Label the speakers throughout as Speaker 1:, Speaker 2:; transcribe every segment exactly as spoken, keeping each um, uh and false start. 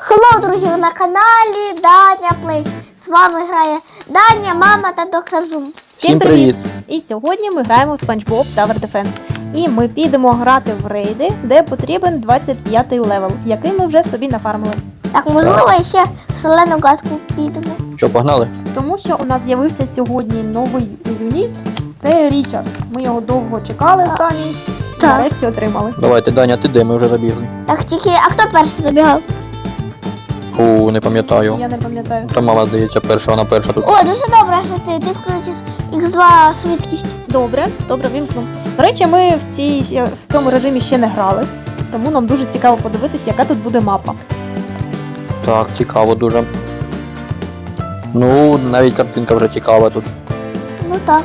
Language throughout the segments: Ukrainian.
Speaker 1: Хеллоу, друзі, ви на каналі Даня Плейс. З вами грає Даня, мама та доктор Зум.
Speaker 2: Всім привіт! І сьогодні ми граємо в SpongeBob Tower Defense. І ми підемо грати в рейди, де потрібен двадцять п'ятий левел, який ми вже собі нафармили.
Speaker 1: Так, можливо, ще в солену гадку підемо.
Speaker 3: Що, погнали?
Speaker 2: Тому що у нас з'явився сьогодні новий юніт. Це Річард. Ми його довго чекали з Дані і
Speaker 1: Так.
Speaker 2: нарешті отримали.
Speaker 3: Давайте, Даня, ти де? Ми вже забігли.
Speaker 1: Так, тільки, а хто перший забігав?
Speaker 3: Фу, не пам'ятаю.
Speaker 2: Я не пам'ятаю.
Speaker 3: Та мама, здається, перша, вона перша тут.
Speaker 1: О, дуже добре, що ти, ти включиш ікс два швидкість.
Speaker 2: Добре, добре, вімкну. До речі, ми в, цій, в цьому режимі ще не грали, тому нам дуже цікаво подивитися, яка тут буде мапа.
Speaker 3: Так, цікаво дуже. Ну, навіть картинка вже цікава тут.
Speaker 1: Ну так.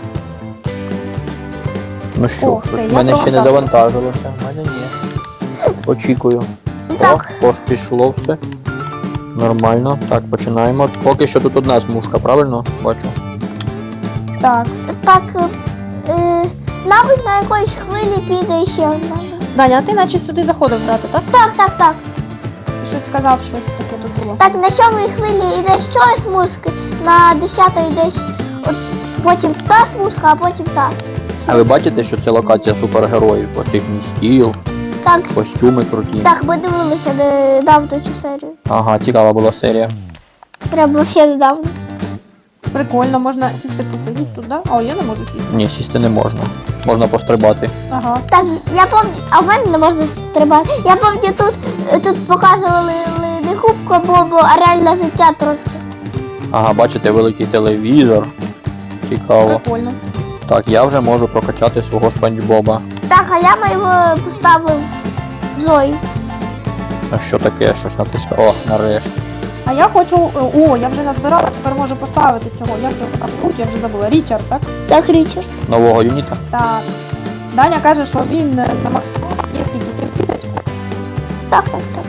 Speaker 3: Ну що,
Speaker 2: О,
Speaker 3: щось
Speaker 2: це
Speaker 3: в
Speaker 2: я
Speaker 3: мене ще не
Speaker 2: провантажила.
Speaker 3: завантажилося. В мене ні. Очікую.
Speaker 1: Так.
Speaker 3: О, ось пішло все. Нормально. Так, починаємо. Поки що тут одна смужка, правильно? Бачу.
Speaker 2: Так.
Speaker 1: Так, е, е, мабуть, на якоїсь хвилі піде ще одна.
Speaker 2: Даня, а ти наче сюди заходив грати, так?
Speaker 1: Так, так, так.
Speaker 2: Щось сказав, що таке тут було.
Speaker 1: Так, на сьомій хвилі йде щось смужки, на десятої десь от, потім та смужка, а потім та.
Speaker 3: А ви бачите, що це локація супергероїв? Ось їхній стіл,
Speaker 1: Так,
Speaker 3: костюми круті.
Speaker 1: так, ми дивилися недавно цю серію.
Speaker 3: Ага, цікава була серія.
Speaker 1: Прямо ще недавно.
Speaker 2: Прикольно, можна сісти посидіти туди. О, я не можу сісти.
Speaker 3: Ні, сісти не можна. Можна пострибати.
Speaker 2: Ага.
Speaker 1: Так, я пам'ятаю, а в мене не можна стрибати. Я пам'ятаю, тут, тут показували не хубку Бобу, а реальне життя трошки.
Speaker 3: Ага, бачите, великий телевізор. Цікаво.
Speaker 2: Прикольно.
Speaker 3: Так, я вже можу прокачати свого Спанч Боба.
Speaker 1: Так, а я його поставив Зої.
Speaker 3: А що таке? Щось натискав. О, нарешті.
Speaker 2: А я хочу. О, я вже назбирала, тепер можу поставити цього. Як його там звуть, я вже забула. Річард, так?
Speaker 1: Так, Річард.
Speaker 3: Нового юніта.
Speaker 2: Так. Даня каже, що він на максимум є скільки сім тисяч.
Speaker 1: Так, так, так.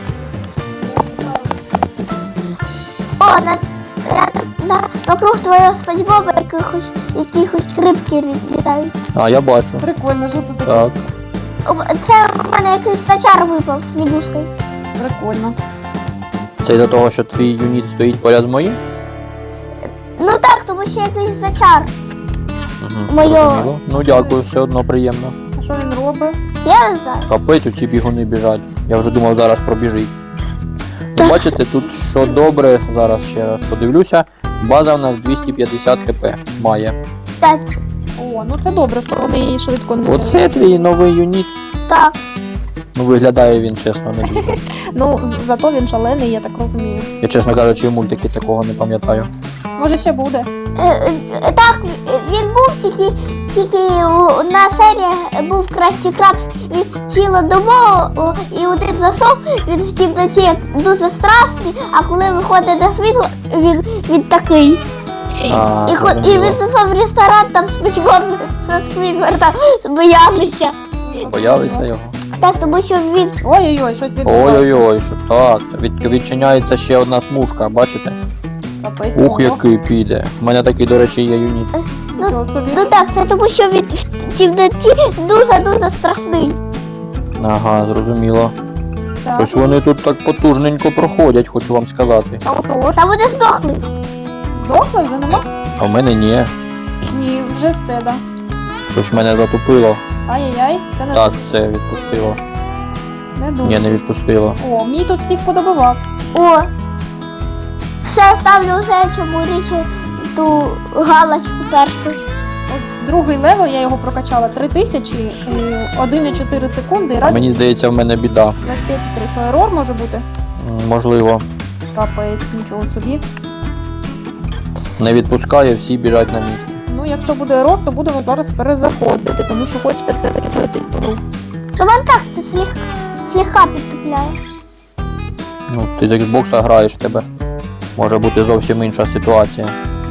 Speaker 1: О, на, на, на, вокруг твого спанчбоба якихось, якихось рибки лі- літають.
Speaker 3: А, я бачу.
Speaker 2: Прикольно, що це таке?
Speaker 3: Так.
Speaker 1: О, це в мене якийсь сачар випав з мідушкою.
Speaker 2: Прикольно.
Speaker 3: Це із-за того, що твій юніт стоїть поряд з моїм?
Speaker 1: Ну так, тому що якийсь сачар.
Speaker 3: Угу,
Speaker 1: Моє.
Speaker 3: зрозуміло. Ну дякую, все одно приємно.
Speaker 2: А що він робить?
Speaker 1: Я не знаю.
Speaker 3: Капець, оці бігуни біжать. Я вже думав, зараз пробіжить. Ну, бачите, тут що добре, зараз ще раз подивлюся. База в нас двісті п'ятдесят хп має.
Speaker 1: Так,
Speaker 2: О, ну це добре, що вони її швидко не.
Speaker 3: Оце твій новий юніт.
Speaker 1: так.
Speaker 3: Ну виглядає він, чесно, не дуже.
Speaker 2: Ну, зато він шалений, я так розумію.
Speaker 3: Я, чесно кажучи, в мультики такого не пам'ятаю.
Speaker 2: Може ще буде.
Speaker 1: Е, е, Так, він був тільки, тільки одна серія був Красті Крабс, він цілодобово і один засов, він в темноті дуже страшний, а коли виходить на світло, він, він такий.
Speaker 3: А,
Speaker 1: І, хо- і
Speaker 3: зрозуміло.
Speaker 1: він зайшов в ресторан, там спочатку со Сквідвардом боялися.
Speaker 3: Боялися його?
Speaker 1: Так, тому що він,
Speaker 2: Ой-ой-ой, щось відбувається.
Speaker 3: Ой-ой-ой, що так. Це від, відчиняється ще одна смужка, бачите?
Speaker 2: Капець.
Speaker 3: Ух,
Speaker 2: ого.
Speaker 3: який піде. У мене такий, до речі, є юніт.
Speaker 2: Нічого собі.
Speaker 1: ну так, це тому що він в темноті дуже-дуже страшний.
Speaker 3: Ага, зрозуміло.
Speaker 2: Так.
Speaker 3: Щось вони тут так потужненько проходять, хочу вам сказати.
Speaker 2: А отож.
Speaker 1: Та вони здохли.
Speaker 2: Дохла вже нема?
Speaker 3: А в мене ні.
Speaker 2: Ні, вже все, да.
Speaker 3: Щось мене затупило.
Speaker 2: Ай-яй-яй, це не,
Speaker 3: Так, все, відпустило.
Speaker 2: не дуже.
Speaker 3: Ні, не відпустило.
Speaker 2: О, мій тут всіх подобивав.
Speaker 1: О, все ставлю вже чому річ ту галочку першу.
Speaker 2: От другий левел, я його прокачала три тисячі, і один і чотири секунди, і
Speaker 3: А
Speaker 2: радіо
Speaker 3: мені здається, в мене біда.
Speaker 2: двадцять п'ять і три. Що, ерор може бути?
Speaker 3: М, Можливо.
Speaker 2: Капець, нічого собі.
Speaker 3: Не відпускає, всі біжать на місці.
Speaker 2: Ну, якщо буде ерор, то будемо зараз перезаходити, тому що хочете все-таки пройти цю гру.
Speaker 1: Ну вам так це слегка, слегка підтупляє.
Speaker 3: Ну, ти з Xbox граєш, в тебе може бути зовсім інша ситуація.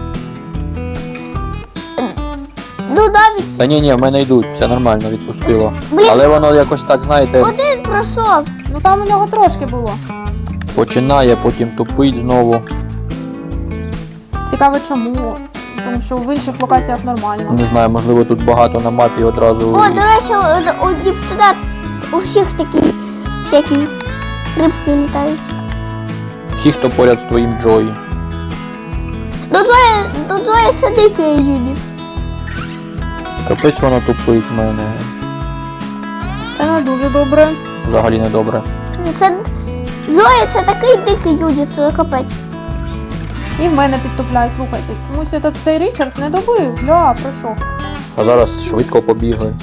Speaker 1: Ну навіть
Speaker 3: Та ні, ні, в мене йдуть, все нормально, відпустило.
Speaker 1: Блін.
Speaker 3: Але воно якось так, знаєте,
Speaker 1: один пройшов.
Speaker 2: Ну там у нього трошки було.
Speaker 3: починає, потім тупить знову.
Speaker 2: Цікаво чому. Тому що в інших локаціях нормально.
Speaker 3: Не знаю, можливо, тут багато на мапі одразу.
Speaker 1: О, до речі, у, у Діпсуда у всіх такі всякі рибки літають.
Speaker 3: всі, хто поряд з твоїм Джої.
Speaker 1: Ну Зоя, ну Зоя це дикий юніт.
Speaker 3: Капець воно тупить в мене.
Speaker 2: Це не дуже добре.
Speaker 3: Взагалі не добре.
Speaker 1: Це Зоя це такий дикий юніт, що капець.
Speaker 2: І в мене підтопляє, слухайте. Чомусь этот, цей Річард не добив. Гля, пройшов.
Speaker 3: А зараз швидко побігли.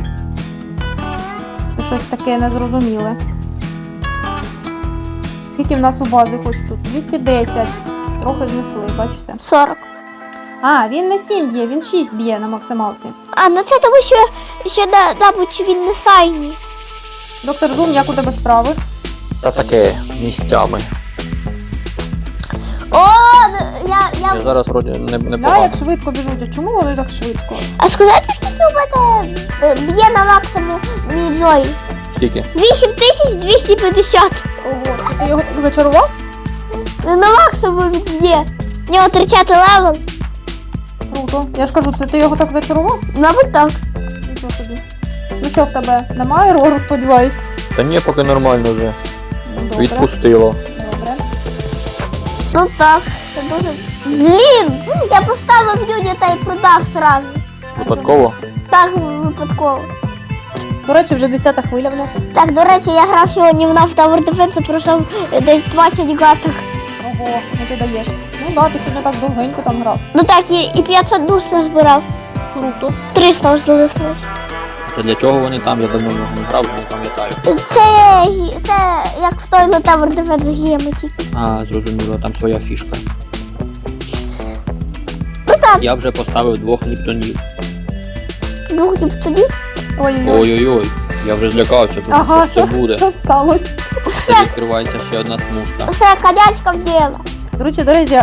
Speaker 2: Це щось таке незрозуміле. Скільки в нас у бази хоч тут? двісті десять. Трохи знесли, бачите?
Speaker 1: сорок.
Speaker 2: А, він не сім б'є, він шість б'є на максималці.
Speaker 1: А, ну це тому, що, що да, мабуть, він не сайні.
Speaker 2: Доктор Зум, як у тебе справи?
Speaker 3: Та таке місцями.
Speaker 1: О, я,
Speaker 3: Я
Speaker 1: я...
Speaker 3: зараз вроді не, не
Speaker 2: Да,
Speaker 3: погано.
Speaker 2: як швидко біжуть. А чому вони так швидко?
Speaker 1: А сказати, скільки у мене е, б'є на максимум мій Зої?
Speaker 3: Скільки?
Speaker 1: вісім тисяч двісті п'ятдесят.
Speaker 2: Ого, це ти його так зачарував?
Speaker 1: На максимум він б'є. У нього тридцятий левел.
Speaker 2: Круто. Я ж кажу, це ти його так зачарував?
Speaker 1: Мабуть, так.
Speaker 2: Нічого собі. Ну що в тебе? Немає рору, сподіваюсь?
Speaker 3: Та ні, поки нормально вже.
Speaker 2: Ну, добре.
Speaker 3: Відпустило.
Speaker 2: Добре.
Speaker 1: Ну так. Це дуже... Блін! Я поставив юніта і продав сразу.
Speaker 3: Випадково?
Speaker 1: Так, випадково.
Speaker 2: До речі, вже десята хвиля в нас.
Speaker 1: Так, до речі, я грав сьогодні в нас в Tower Defense, пройшов е, десь двадцять гаток.
Speaker 2: Ого, ну ти даєш. Ну да, ти сьогодні так довгенько там грав.
Speaker 1: Ну так, і, і п'ятсот душ назбирав.
Speaker 2: Круто.
Speaker 1: триста ось залишилось.
Speaker 3: Це для чого вони там? Я давно в нього не грав, вже не пам'ятаю.
Speaker 1: Це, гі- це як в той на Tower Defense гіємо тільки.
Speaker 3: А, зрозуміло, там своя фішка.
Speaker 1: Ну так,
Speaker 3: Я вже поставив двох ліптонів.
Speaker 1: двох діптонів.
Speaker 2: Ой-ой-ой.
Speaker 3: Ой-ой-ой, я вже злякався, тут
Speaker 2: Ага,
Speaker 3: що
Speaker 2: що,
Speaker 3: це буде.
Speaker 2: що сталося?
Speaker 3: Це
Speaker 1: Все,
Speaker 3: відкривається ще одна смужка.
Speaker 1: все, конячка в діло.
Speaker 2: Друзі, до речі,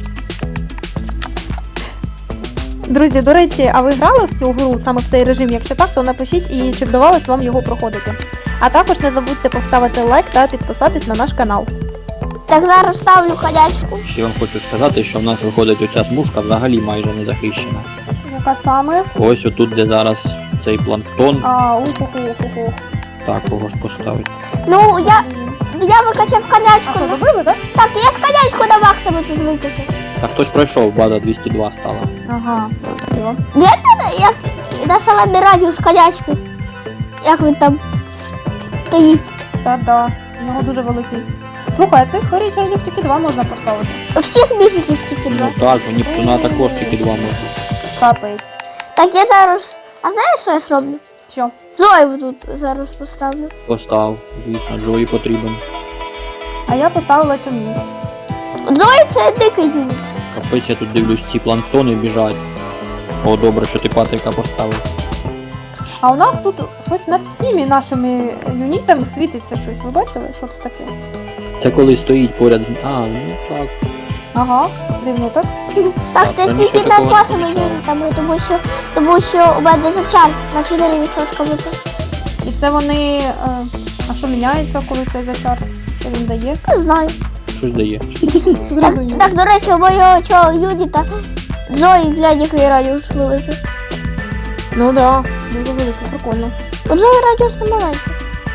Speaker 2: друзі, до речі, а ви грали в цю гру саме в цей режим? Якщо так, то напишіть і чи вдавалось вам його проходити. А також не забудьте поставити лайк та підписатись на наш канал.
Speaker 1: Так, зараз ставлю конячку.
Speaker 3: Ще вам хочу сказати, що в нас виходить оця смужка взагалі майже не захищена.
Speaker 2: Яка саме?
Speaker 3: Ось отут, де зараз цей планктон.
Speaker 2: А, уху-ху-ху-ху.
Speaker 3: Так, кого ж поставити.
Speaker 1: Ну, я, я викачав
Speaker 2: А
Speaker 1: конячку.
Speaker 2: що, добили, так?
Speaker 1: Так, я з конячку на максимум тут викачав.
Speaker 3: Та хтось пройшов, база двісті два стала.
Speaker 2: Ага, зрозуміло.
Speaker 1: Гляньте, як на салатний радіус конячки. Як він там с- стоїть.
Speaker 2: Та-да, у нього дуже великий. Слухай, а цих Річардів тільки два можна поставити.
Speaker 1: Всіх міфіків тільки два.
Speaker 3: Ну так, у Нептуна також тільки два можна.
Speaker 2: Капець.
Speaker 1: Так, я зараз... А знаєш, що я зроблю?
Speaker 2: Що?
Speaker 1: Зою тут зараз поставлю.
Speaker 3: Постав, звісно, Джої потрібен.
Speaker 2: А я поставила цю міс.
Speaker 1: Зої це дикий юніт.
Speaker 3: Капець, я тут дивлюсь, ці планктони біжать. О, добре, що ти Патрика поставив.
Speaker 2: А у нас тут щось над всіми нашими юнітами світиться щось. Ви бачили, що це таке?
Speaker 3: Це коли стоїть поряд з... А, ну так.
Speaker 2: Ага, дивно так.
Speaker 1: Так,
Speaker 3: Так,
Speaker 1: це
Speaker 3: раніше
Speaker 1: тільки
Speaker 3: такого
Speaker 1: над
Speaker 3: не
Speaker 1: вашими
Speaker 3: помічав.
Speaker 1: юнітами, тому що, тому що у мене зачар на чотири відсотки випав.
Speaker 2: І це вони. Е, а що міняється, коли цей зачар? Що він дає?
Speaker 1: Не знаю.
Speaker 3: Щось дає.
Speaker 1: Так,
Speaker 2: Зрозуміло.
Speaker 1: так, до речі, у моєго цього юніта Зої, глянь, який радіус великий.
Speaker 2: Ну да, дуже великий, прикольно.
Speaker 1: У Зої радіус не маленький.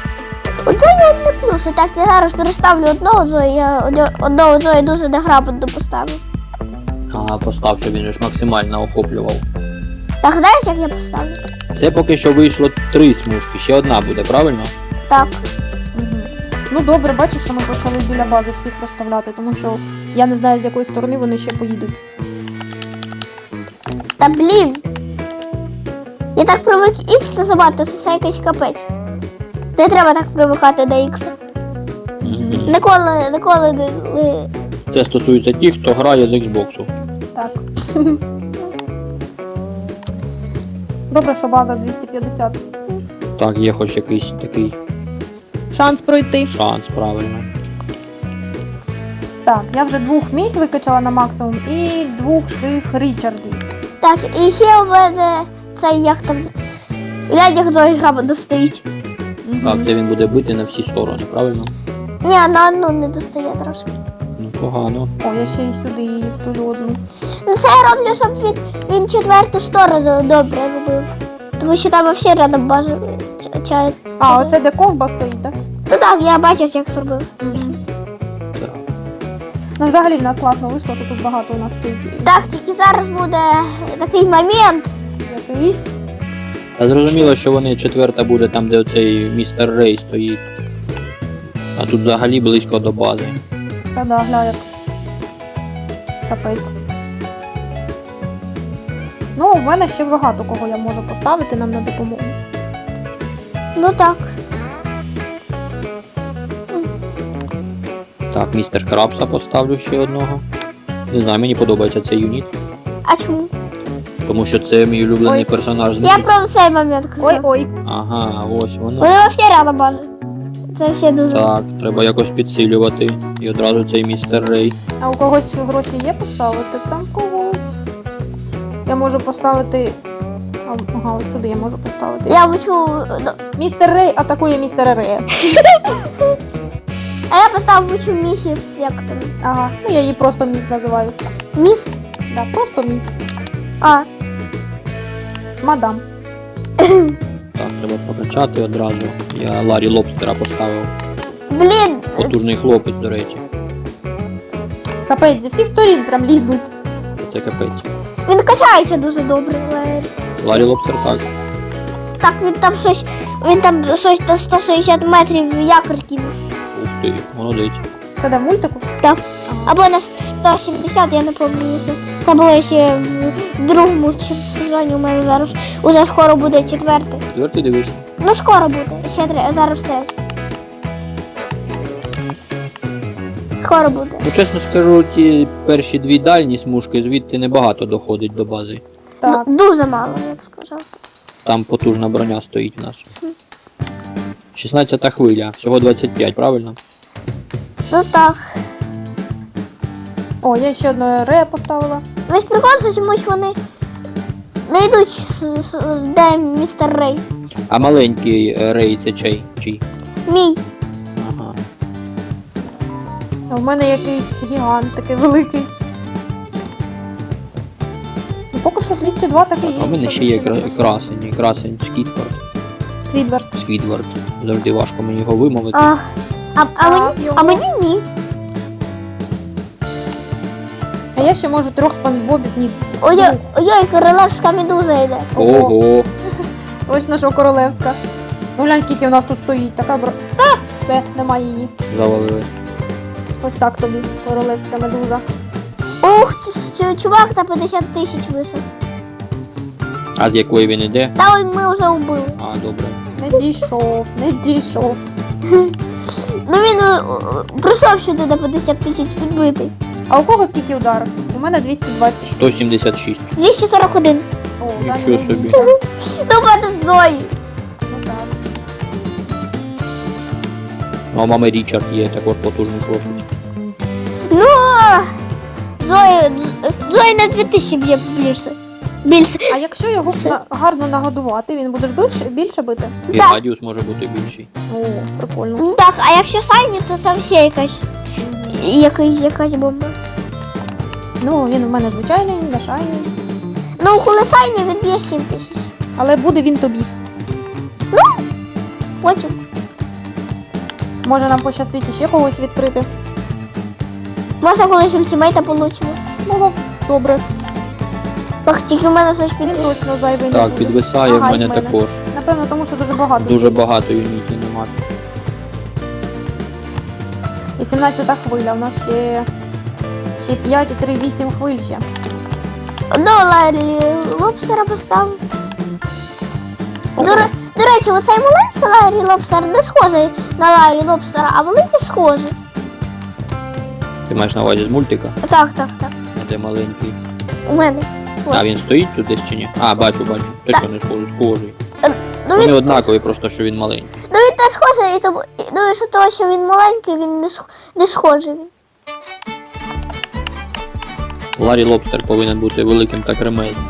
Speaker 1: Оце є одне плюс. І так, я зараз переставлю одного Зої, я одно- одного Зої дуже неграмотно поставив.
Speaker 3: Ага, постав, щоб він ж максимально охоплював.
Speaker 1: Так, знаєш, як я поставлю?
Speaker 3: Це поки що вийшло три смужки, ще одна буде, правильно?
Speaker 1: Так.
Speaker 2: Угу. Ну добре, бачиш, що ми почали біля бази всіх розставляти, тому що я не знаю, з якої сторони вони ще поїдуть.
Speaker 1: Та блін. Я так привик Х це забагато, це якийсь капець. Не треба так привикати до Х.
Speaker 3: Мгм.
Speaker 1: Ніколи, ніколи не. не-
Speaker 3: Це стосується тих, хто грає з Xbox.
Speaker 2: Так. Добре, що база двісті п'ятдесят.
Speaker 3: Так, є хоч якийсь такий
Speaker 2: Шанс пройти.
Speaker 3: шанс, правильно.
Speaker 2: Так, я вже двох місць викачала на максимум і двох цих Річардів.
Speaker 1: Так, і ще у мене цей як там. Глянь, як Зої грамотно стоїть.
Speaker 2: Мгм.
Speaker 3: Так, це він буде бити на всі сторони, правильно?
Speaker 1: Ні, на одну не достає трошки.
Speaker 3: Ну, погано.
Speaker 2: О, я ще й сюди, і в ту одну.
Speaker 1: Ну це я роблю, щоб він, він четверту сторону добре робив. Тому що там всі рядом бажа чають.
Speaker 2: А, оце де ковба стоїть, так?
Speaker 1: Ну так, я бачив, як зробив.
Speaker 2: Угу.
Speaker 3: Так.
Speaker 2: Ну, взагалі в нас класно вийшло, що тут багато у нас стоїть.
Speaker 1: Так, тільки зараз буде такий момент.
Speaker 2: Який?
Speaker 3: Та зрозуміло, що вони четверта буде там, де оцей містер Рей стоїть. А тут взагалі близько до бази.
Speaker 2: Та да, гля як. Капець. Ну, в мене ще багато кого я можу поставити нам на допомогу.
Speaker 1: Ну так.
Speaker 3: Так, містер Крабса поставлю ще одного. Не знаю, мені подобається цей юніт.
Speaker 1: А чому?
Speaker 3: Тому що це мій улюблений
Speaker 2: Ой.
Speaker 3: персонаж з
Speaker 1: Я
Speaker 3: них.
Speaker 1: про цей момент казав.
Speaker 2: Ой-ой.
Speaker 3: Ага, ось воно.
Speaker 1: Вони всі рядом бажають. Це все дуже.
Speaker 3: Так, треба якось підсилювати. І одразу цей містер Рей.
Speaker 2: А у когось гроші є поставити? Там когось. Я можу поставити. А, Ага, ось сюди я можу поставити.
Speaker 1: Я вчу.
Speaker 2: Містер Рей атакує містера Рея.
Speaker 1: А я поставив вчу місіс, як там.
Speaker 2: Ага, ну я її просто міс називаю.
Speaker 1: Міс?
Speaker 2: Да, просто міс.
Speaker 1: А.
Speaker 2: Мадам.
Speaker 3: Так, треба прокачати одразу. Я Ларі Лобстера поставив.
Speaker 1: Блін.
Speaker 3: Потужний хлопець, до речі.
Speaker 2: Капець, зі всіх сторін прям лізуть.
Speaker 3: Це капець.
Speaker 1: Він качається дуже добре, Ларі.
Speaker 3: Ларі Лобстер так.
Speaker 1: Так, він там щось. Він там щось на сто шістдесят метрів якор кинув.
Speaker 3: Ух ти, молодець.
Speaker 2: Це де в мультику?
Speaker 1: Так. Або на сто сімдесят, я не пам'ятаю. Це було ще в другому сезоні у мене зараз. Уже скоро буде четвертий.
Speaker 3: Четвертий дивись.
Speaker 1: Ну скоро буде. Ще три, зараз третій. Скоро буде.
Speaker 3: Ну, чесно скажу, ті перші дві дальні смужки звідти небагато доходить до бази.
Speaker 2: Так.
Speaker 1: Ну, дуже мало, я б сказав.
Speaker 3: Там потужна броня стоїть в нас. шістнадцята хвиля, всього двадцять п'ять, правильно?
Speaker 1: Ну так.
Speaker 2: О, я ще одну Рея поставила.
Speaker 1: Весь прикол, що чомусь вони не йдуть, з- з- де містер Рей.
Speaker 3: А маленький е, Рей це чий? Чий?
Speaker 1: Мій.
Speaker 3: Ага.
Speaker 2: А в мене якийсь гігант такий великий. Ну, поки що двісті два такий є.
Speaker 3: А в мене ще є кра- красень, красень Скідвард.
Speaker 2: Сквідвард.
Speaker 3: Скідвард. Завжди важко мені його вимовити.
Speaker 1: А, а, а,
Speaker 2: Так,
Speaker 1: мені,
Speaker 2: його.
Speaker 1: а мені ні.
Speaker 2: А я ще можу трьох спанчбобів ні.
Speaker 1: Ой, ой, королевська медуза йде.
Speaker 3: Ого!
Speaker 2: Точно, що королевська. Ну глянь, скільки в нас тут стоїть. Така бро. А! Все, немає її.
Speaker 3: Завалили.
Speaker 2: Ось так тобі, королевська медуза.
Speaker 1: Ух, ти ж, чувак на п'ятдесят тисяч висок.
Speaker 3: А з якої він іде?
Speaker 1: Та ой, ми вже вбили.
Speaker 3: А, добре.
Speaker 2: Не дійшов, не дійшов.
Speaker 1: Ну він е, е, прийшов сюди на п'ятдесят тисяч підбитий.
Speaker 2: А у кого скільки ударів? У мене двісті двадцять.
Speaker 3: сто сімдесят шість.
Speaker 1: двісті сорок один.
Speaker 2: О,
Speaker 3: Нічого
Speaker 2: Даня, не
Speaker 3: собі.
Speaker 2: дійшов.
Speaker 1: Ну, в мене Зої.
Speaker 2: Ну так.
Speaker 3: Ну, а мами Річард є також потужний хлопець.
Speaker 1: Ну, Зої, Зої на дві тисячі б'є більше. Більше.
Speaker 2: А якщо його
Speaker 1: Все.
Speaker 2: на- гарно нагодувати, він буде ж більше, більше бити?
Speaker 3: І
Speaker 1: Так.
Speaker 3: радіус може бути більший.
Speaker 2: О, прикольно.
Speaker 1: Ну, так, а якщо Сайні, то це все якась, якась, якась бомба.
Speaker 2: Ну, він у мене звичайний, не шайний.
Speaker 1: Ну, коли Сайні, він б'є сім тисяч.
Speaker 2: Але буде він тобі.
Speaker 1: Потім.
Speaker 2: Може нам пощастить ще когось відкрити.
Speaker 1: Може, колись ультимейта получимо.
Speaker 2: Було б добре.
Speaker 1: Так, тільки в мене щось
Speaker 2: Він
Speaker 1: піде.
Speaker 2: точно зайвий не
Speaker 3: Так,
Speaker 2: буде.
Speaker 3: підвисає
Speaker 2: Ага,
Speaker 3: в мене
Speaker 2: і в мене.
Speaker 3: також.
Speaker 2: Напевно, тому що дуже багато.
Speaker 3: Дуже багато юнітів нема.
Speaker 2: вісімнадцята хвиля, у нас ще, ще п'ять і три, вісім хвиль ще.
Speaker 1: До Ларі Лобстера поставив. До, ре- до речі, оцей маленький Ларі Лобстер не схожий на Ларі Лобстера, а великий схожий.
Speaker 3: Ти маєш на увазі з мультика?
Speaker 1: Так, так, так.
Speaker 3: А де маленький?
Speaker 1: У мене. Ось.
Speaker 3: А він стоїть тут десь чи ні? А, бачу, бачу. Ти що не схожий, схожий.
Speaker 1: Ну,
Speaker 3: Вони
Speaker 1: він,
Speaker 3: однакові, просто що він маленький.
Speaker 1: ну, він не схожий, і тому, і- ну, і що того, що він маленький, він не, сх- не схожий. Він.
Speaker 3: Ларі Лобстер повинен бути великим та кремезним.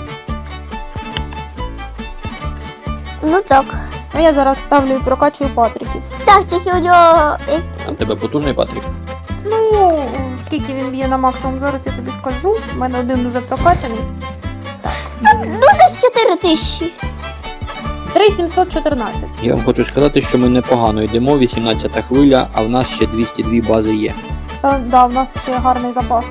Speaker 1: Ну так.
Speaker 2: А я зараз ставлю і прокачую патриків.
Speaker 1: Так, тільки у нього. як-
Speaker 3: А в тебе потужний Патрік?
Speaker 2: Ну, скільки він б'є на максимум, зараз я тобі скажу. У мене один уже прокачаний.
Speaker 1: Ну, десь чотири тисячі.
Speaker 2: три сімсот чотирнадцять.
Speaker 3: Я вам хочу сказати, що ми непогано йдемо, вісімнадцята хвиля, а в нас ще двісті дві бази є.
Speaker 2: Та, да, в нас ще гарний запас.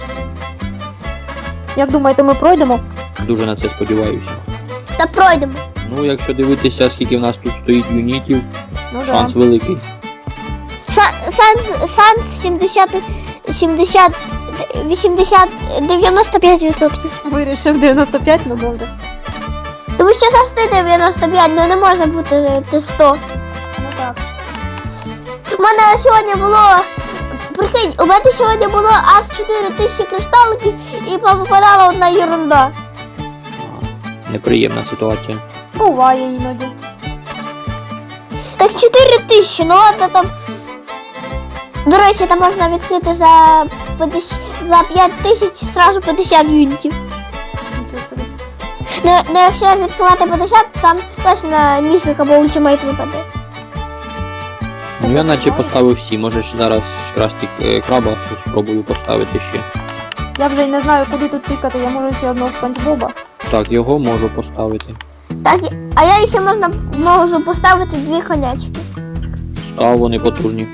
Speaker 2: Як думаєте, ми пройдемо?
Speaker 3: Дуже на це сподіваюся.
Speaker 1: Та пройдемо.
Speaker 3: Ну, якщо дивитися, скільки в нас тут стоїть юнітів,
Speaker 2: Ну
Speaker 3: шанс
Speaker 2: да.
Speaker 3: великий.
Speaker 1: Са- Санс, Санс сімдесят, сімдесят, вісімдесят, дев'яносто п'ять відсотків.
Speaker 2: Вирішив дев'яносто п'ять, ну добре.
Speaker 1: Тому що завжди дев'яносто п'ять, ну не може бути те сто.
Speaker 2: Ну так.
Speaker 1: У мене сьогодні було, прикинь, у мене сьогодні було аж чотири тисячі кристаликів і попадала одна ерунда.
Speaker 3: А, неприємна ситуація.
Speaker 2: Буває іноді.
Speaker 1: Так чотири тисячі, ну ладно там. До речі, там можна відкрити за п'ятдесят, за п'ять тисяч зразу п'ятдесят юнітів.
Speaker 2: Нічого собі.
Speaker 1: Ну, ну якщо відкривати п'ятдесят, там точно міфік або ультимейт випаде.
Speaker 3: Ну я наче поставив всі, можеш зараз красти е, краба спробую поставити ще.
Speaker 2: Я вже й не знаю, куди тут тикати, я можу ще одного Спанч Боба.
Speaker 3: Так, його можу поставити.
Speaker 1: Так, і- а я ще можна можу поставити дві конячки.
Speaker 3: Став, вони потужні.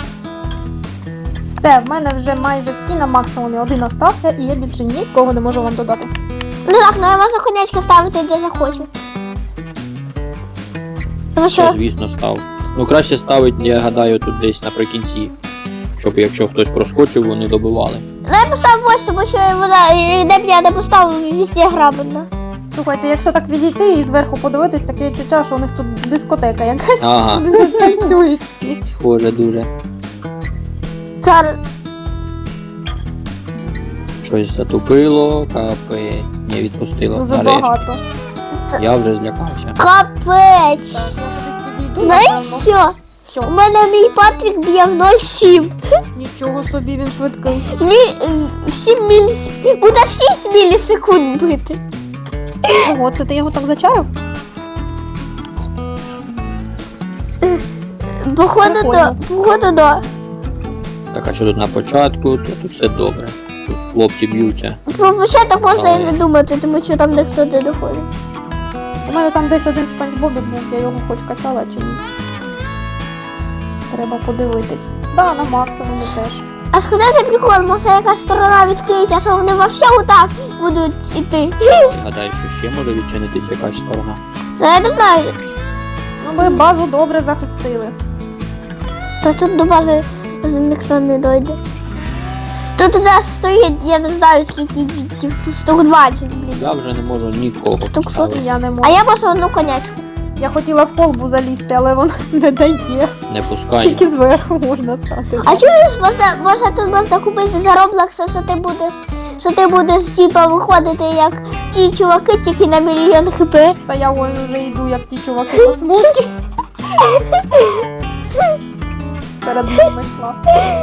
Speaker 2: Все, в мене вже майже всі на максимумі. Один остався, і я більше нікого не можу вам додати.
Speaker 1: Ну так, ну я можу конячки ставити де захочу. Тому що
Speaker 3: Це, звісно, став. Ну краще ставить, я гадаю, тут десь наприкінці. Щоб якщо хтось проскочив, вони добивали.
Speaker 1: ну, я поставив ось, тому що вона де б я не поставив, везде грабельно.
Speaker 2: Слухайте, якщо так відійти і зверху подивитись, таке відчуття, що у них тут дискотека якась.
Speaker 3: Ага,
Speaker 2: Вони тут танцюють всі.
Speaker 3: схоже дуже.
Speaker 1: Зараз.
Speaker 3: Щось затупило, капець. Не відпустило.
Speaker 2: Дуже
Speaker 3: Нарешті.
Speaker 2: багато.
Speaker 3: Я вже злякався.
Speaker 1: Капець.
Speaker 2: Так, я кудись відійду,
Speaker 1: Знаєш
Speaker 2: напевно.
Speaker 1: що?
Speaker 2: Що?
Speaker 1: У мене мій Патрік б'є в ноль сім.
Speaker 2: Нічого собі, він швидкий.
Speaker 1: Мі... в сім міліс... Буде в шість мілісекунд бити.
Speaker 2: Ого, це ти його так зачарив?
Speaker 1: Походу,
Speaker 2: Прикольно.
Speaker 1: до... Походу, до.
Speaker 3: Так, а що тут на початку, то тут все добре. Тут хлопці б'ються.
Speaker 1: Про початок можна і
Speaker 3: Але-
Speaker 1: не думати, тому що там ніхто не доходить.
Speaker 2: У мене там десь один Спанч Бобік був, я його хоч качала чи ні. Треба подивитись. Да, на максимумі теж.
Speaker 1: А сходити прикол, може якась сторона відкриється, що вони во всьому так будуть іти.
Speaker 3: Я гадаю, що ще може відчинитись якась сторона.
Speaker 1: Ну я не знаю.
Speaker 2: Ну ми базу добре захистили.
Speaker 1: Та тут до бази вже ніхто не дойде. Тут у нас стоїть, я не знаю скільки бітів, тут штук двадцять, блін.
Speaker 3: Я вже не можу нікого
Speaker 1: Штук
Speaker 3: поставити.
Speaker 2: Я не
Speaker 1: А
Speaker 2: можу.
Speaker 1: я можу одну конячку.
Speaker 2: Я хотіла в колбу залізти, але вона не дає.
Speaker 3: Не пускай.
Speaker 2: Тільки зверху можна стати.
Speaker 1: А чуєш, можна, можна тут можна купити за Роблокса, що ти будеш, що ти будеш типа виходити як ті чуваки, тільки на мільйон хп.
Speaker 2: Та я ой вже йду, як ті чуваки по смужки. Перед ними йшла.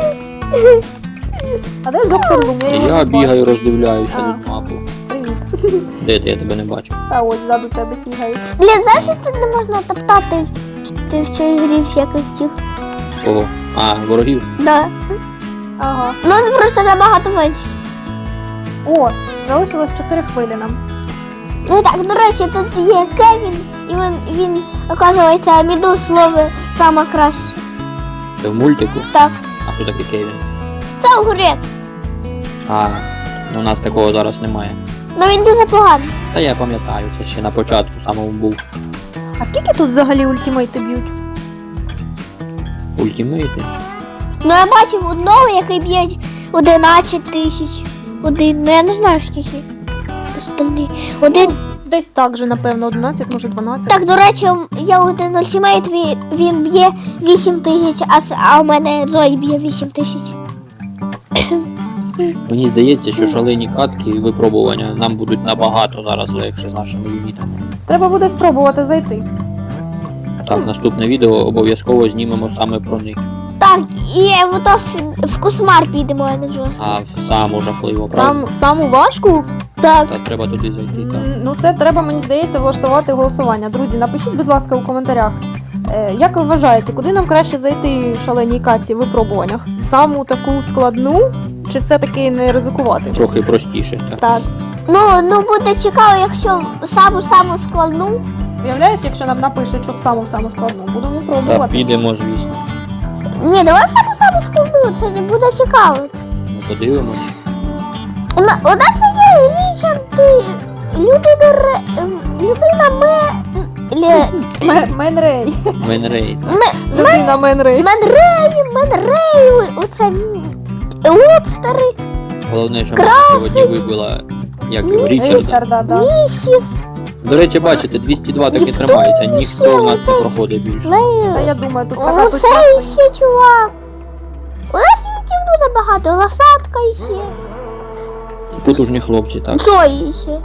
Speaker 2: А де доктор Зум? Я його
Speaker 3: Я
Speaker 2: не
Speaker 3: бігаю,
Speaker 2: бачу.
Speaker 3: роздивляюся
Speaker 2: А.
Speaker 3: тут мапу.
Speaker 2: Привіт.
Speaker 3: Де ти? Я тебе не бачу.
Speaker 2: Та ось ззаду тебе бігають.
Speaker 1: Блін, знаєш, що тут не можна топтати в, ти в цій грі всяких тих.
Speaker 3: Кого? А, ворогів.
Speaker 1: Да.
Speaker 2: Ага.
Speaker 1: Ну просто набагато менше.
Speaker 2: О, залишилось чотири хвилі нам.
Speaker 1: Ну так, до речі, тут є Кевін, і він, він оказується, міду слово саме краще.
Speaker 3: Це в мультику?
Speaker 1: Так.
Speaker 3: А хто такий Кевін?
Speaker 1: Це огурець.
Speaker 3: А, ну у нас такого зараз немає.
Speaker 1: Ну він дуже поганий.
Speaker 3: Та я пам'ятаю, це ще на початку самому був.
Speaker 2: А скільки тут взагалі ультимейти б'ють?
Speaker 3: Ультимейти.
Speaker 1: Ну я бачив одного, який б'є одинадцять тисяч. Один, ну я не знаю скільки. Остальний. Один.
Speaker 2: Десь так же, напевно, одинадцять, може дванадцять.
Speaker 1: Так, до речі, я один ультимейт, він, він б'є вісім тисяч, а, с- а у мене Зой б'є вісім тисяч.
Speaker 3: Мені здається, що шалені катки і випробування нам будуть набагато зараз легше з нашими юнітами.
Speaker 2: Треба буде спробувати зайти.
Speaker 3: Так, наступне відео обов'язково знімемо саме про них.
Speaker 1: Так, і ото в, в кошмар підемо, а не в жорстко.
Speaker 3: А в саму жахливо, правда?
Speaker 2: Там в саму важку?
Speaker 1: Так.
Speaker 3: Та треба туди зайти. Так.
Speaker 2: М, Ну це треба, мені здається, влаштувати голосування. Друзі, напишіть, будь ласка, у коментарях. Е, як ви вважаєте, куди нам краще зайти в шаленій катці в випробуваннях? Саму таку складну, чи все-таки не ризикувати?
Speaker 3: Трохи простіше. Так.
Speaker 2: Так.
Speaker 1: Ну, ну буде цікаво, якщо саму-саму складну.
Speaker 2: Уявляєш, якщо нам напишуть, що в саму-саму складну, будемо
Speaker 3: Та
Speaker 2: пробувати.
Speaker 3: підемо, звісно.
Speaker 1: Ні, давай саму саму складну, це не буде цікаво.
Speaker 3: Ну, подивимось.
Speaker 1: У на- у нас є лічанти, людина ре... ем, людина ме... ле-
Speaker 2: Ме- Менрей.
Speaker 3: Менрейд.
Speaker 1: ме...
Speaker 2: Людина Менрей.
Speaker 1: Менрей, Менрей, оце м, лобстери,
Speaker 3: Головне, що мене сьогодні вибила, як його, Річарда.
Speaker 2: Річарда, да.
Speaker 1: місіс,
Speaker 3: До речі, бачите, двісті два так і тримається, ніхто в нас не проходить більше.
Speaker 2: Та
Speaker 1: Лейл.
Speaker 2: я думаю, тут така
Speaker 1: Оце ще чувак. У нас ютів дуже багато, лосатка ще,
Speaker 3: Потужні хлопці, так.
Speaker 1: Зої ще.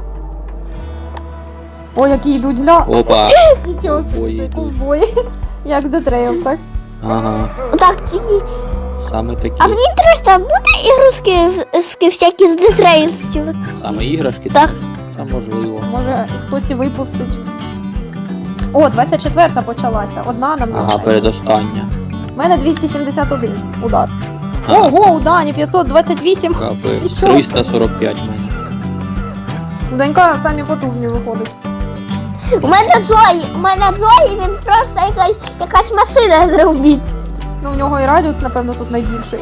Speaker 2: Ой, які йдуть, гля.
Speaker 3: Опа.
Speaker 2: Нічого
Speaker 3: Ой,
Speaker 2: собі,
Speaker 3: йдуть.
Speaker 2: ковбої. Як до трейл, так?
Speaker 3: Ага.
Speaker 1: Так, тільки.
Speaker 3: Саме такі.
Speaker 1: А мені інтересно, буде ігрушки в- всякі з Детрейлс, чувак?
Speaker 3: Саме іграшки?
Speaker 1: Так.
Speaker 3: Та можливо.
Speaker 2: Може, хтось і випустить. О, двадцять четверта почалася. Одна нам
Speaker 3: Ага,
Speaker 2: лишається.
Speaker 3: передостання.
Speaker 2: У мене двісті сімдесят один удар.
Speaker 3: Ага.
Speaker 2: Ого, у Дані п'ятсот двадцять вісім.
Speaker 3: Капець.
Speaker 2: Нічого.
Speaker 3: триста сорок п'ять в мене.
Speaker 2: Донька самі потужні виходить.
Speaker 1: У мене Зої, у мене Зої, він просто якась, якась машина з робіт.
Speaker 2: Ну, у нього і радіус, напевно, тут найбільший.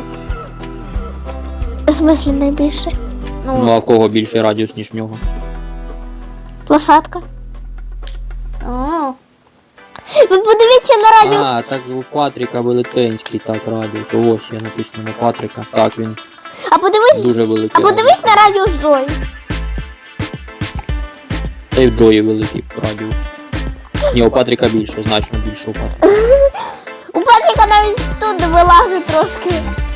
Speaker 1: В смислі найбільше?
Speaker 3: Ну
Speaker 2: Ну,
Speaker 3: а в кого більший радіус, ніж в нього?
Speaker 1: Лосатка.
Speaker 2: а,
Speaker 1: Ви подивіться на радіус.
Speaker 3: А, так у Патріка велетенський, так, радіус. Ось я написано на Патріка. Так, він
Speaker 1: А подивись,
Speaker 3: дуже
Speaker 1: а
Speaker 3: великий.
Speaker 1: подивись на радіус Зої.
Speaker 3: Та й в Джої великий радіус. Ні, у Патріка більше, значно більше у Патріка.
Speaker 1: У Патріка навіть тут вилазить трошки.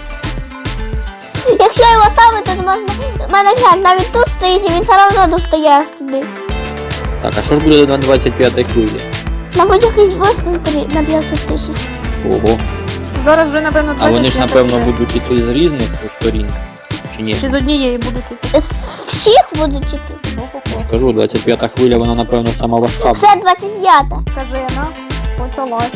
Speaker 1: Якщо його ставити, то можна. У мене глянь, навіть тут стоїть і він все одно достає аж туди.
Speaker 3: Так, а що ж буде на двадцять п'ятій хвилі?
Speaker 1: Мабуть, якийсь бос на три- на п'ятсот тисяч.
Speaker 3: Ого.
Speaker 2: зараз вже, напевно,
Speaker 3: А вони ж,
Speaker 2: двадцять п'ять
Speaker 3: напевно,
Speaker 2: буде.
Speaker 3: будуть іти з різних сторін. Чи ні?
Speaker 2: Чи з однієї будуть іти?
Speaker 1: З всіх будуть іти.
Speaker 2: Ого-го.
Speaker 3: Кажу, двадцять п'ята хвиля, вона, напевно, сама важка. буде.
Speaker 1: Все двадцять п'ята.
Speaker 2: Скажена, почалась.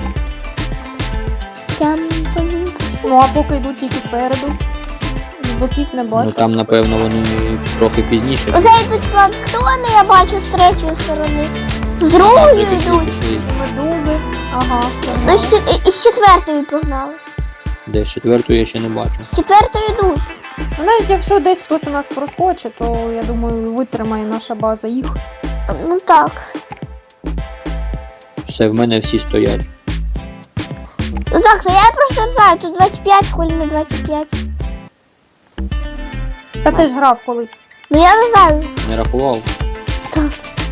Speaker 1: Тям-тям.
Speaker 2: Ну, а поки йдуть тільки спереду. З боків не
Speaker 3: Ну
Speaker 2: бачу.
Speaker 3: там, напевно, вони трохи пізніше.
Speaker 1: Оце йдуть планктони, я бачу з третьої сторони. З
Speaker 3: Ага,
Speaker 1: другої
Speaker 3: вже пішли,
Speaker 1: йдуть.
Speaker 3: пішли.
Speaker 2: Медузи. Ага.
Speaker 1: Ну, з, чет- і з четвертої погнали.
Speaker 3: Де, з четвертої я ще не бачу.
Speaker 1: З четвертої йдуть.
Speaker 2: Ну, навіть якщо десь хтось у нас проскочить, то я думаю, витримає наша база їх.
Speaker 1: Ну так.
Speaker 3: Все, в мене всі стоять.
Speaker 1: Ну так, це я просто знаю, тут двадцять п'ять, хвилі не двадцять п'ять.
Speaker 2: Та ти ж грав колись.
Speaker 1: Ну я не знаю.
Speaker 3: Не рахував?
Speaker 1: Так.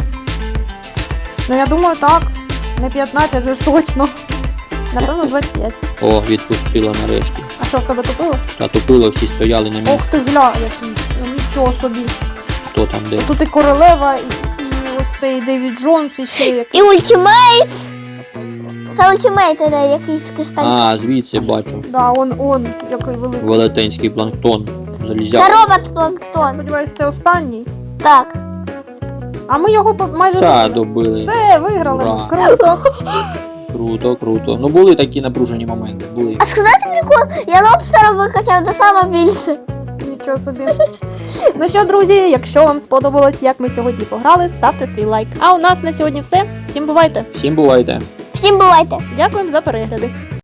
Speaker 2: Ну я думаю, так. Не п'ятнадцять же ж точно. Напевно, двадцять п'ять.
Speaker 3: О, відпустило нарешті.
Speaker 2: А що, в тебе тупило?
Speaker 3: А тупило, всі стояли на місці.
Speaker 2: Ох ти гля, який. Ну, нічого собі.
Speaker 3: Хто там де?
Speaker 2: Тут і королева, і, і ось цей Девід Джонс, і ще як.
Speaker 1: І ультимейт. Це ультимейт, іде якийсь кристаль.
Speaker 3: А, звідси бачу.
Speaker 2: Да, он, он, який великий.
Speaker 3: Велетенський планктон.
Speaker 1: Це
Speaker 3: Залізяк.
Speaker 1: робот планктон.
Speaker 2: Сподіваюсь, це останній.
Speaker 1: Так.
Speaker 2: А ми його по- майже
Speaker 3: Та,
Speaker 2: добили.
Speaker 3: добили.
Speaker 2: Все, виграли.
Speaker 3: Ура.
Speaker 2: Круто.
Speaker 3: Круто, круто. Ну були такі напружені моменти, були.
Speaker 1: А сказати прикол, я лобстера викачав до саме більше.
Speaker 2: Нічого собі. Ну що, друзі, якщо вам сподобалось, як ми сьогодні пограли, ставте свій лайк. А у нас на сьогодні все. Всім бувайте.
Speaker 3: Всім бувайте.
Speaker 1: Всім бувайте.
Speaker 2: Дякуємо за перегляди.